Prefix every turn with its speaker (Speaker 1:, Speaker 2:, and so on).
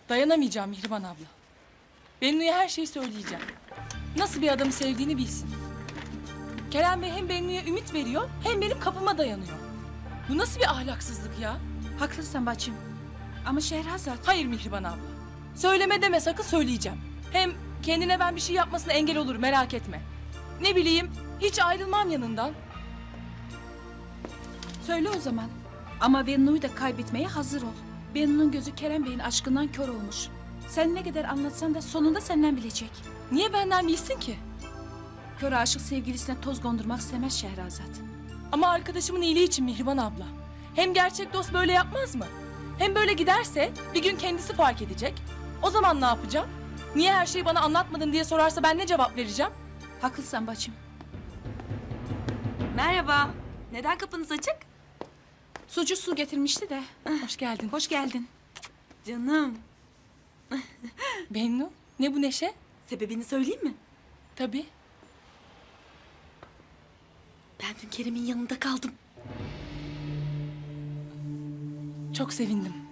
Speaker 1: Dayanamayacağım Mihriban abla. Bennu'ya her şeyi söyleyeceğim. Nasıl bir adamı sevdiğini bilsin. Kerem Bey hem Bennu'ya ümit veriyor hem benim kapıma dayanıyor. Bu nasıl bir ahlaksızlık ya?
Speaker 2: Haklısın bacım. Ama Şehrazat...
Speaker 1: Hayır Mihriban abla. Söyleme deme sakın, söyleyeceğim. Hem kendine ben bir şey yapmasına engel olur, merak etme. Ne bileyim, hiç ayrılmam yanından.
Speaker 2: Söyle o zaman. Ama Bennu'yu da kaybetmeye hazır ol. Bennu'nun gözü Kerem Bey'in aşkından kör olmuş. Sen ne kadar anlatsan da sonunda senden bilecek.
Speaker 1: Niye benden bilsin ki?
Speaker 2: Kör aşık sevgilisine toz kondurmak istemez Şehrazat.
Speaker 1: Ama arkadaşımın iyiliği için Mihriban abla. Hem gerçek dost böyle yapmaz mı? Hem böyle giderse bir gün kendisi fark edecek. O zaman ne yapacağım? Niye her şeyi bana anlatmadın diye sorarsa ben ne cevap vereceğim?
Speaker 2: Haklısın bacım.
Speaker 3: Merhaba. Neden kapınız açık?
Speaker 2: Sucu su getirmişti de.
Speaker 1: Hoş geldin.
Speaker 2: Hoş geldin.
Speaker 3: Canım.
Speaker 1: Bennu, ne bu neşe?
Speaker 3: Sebebini söyleyeyim mi?
Speaker 1: Tabii.
Speaker 3: Ben dün Kerem'in yanında kaldım.
Speaker 1: Çok sevindim.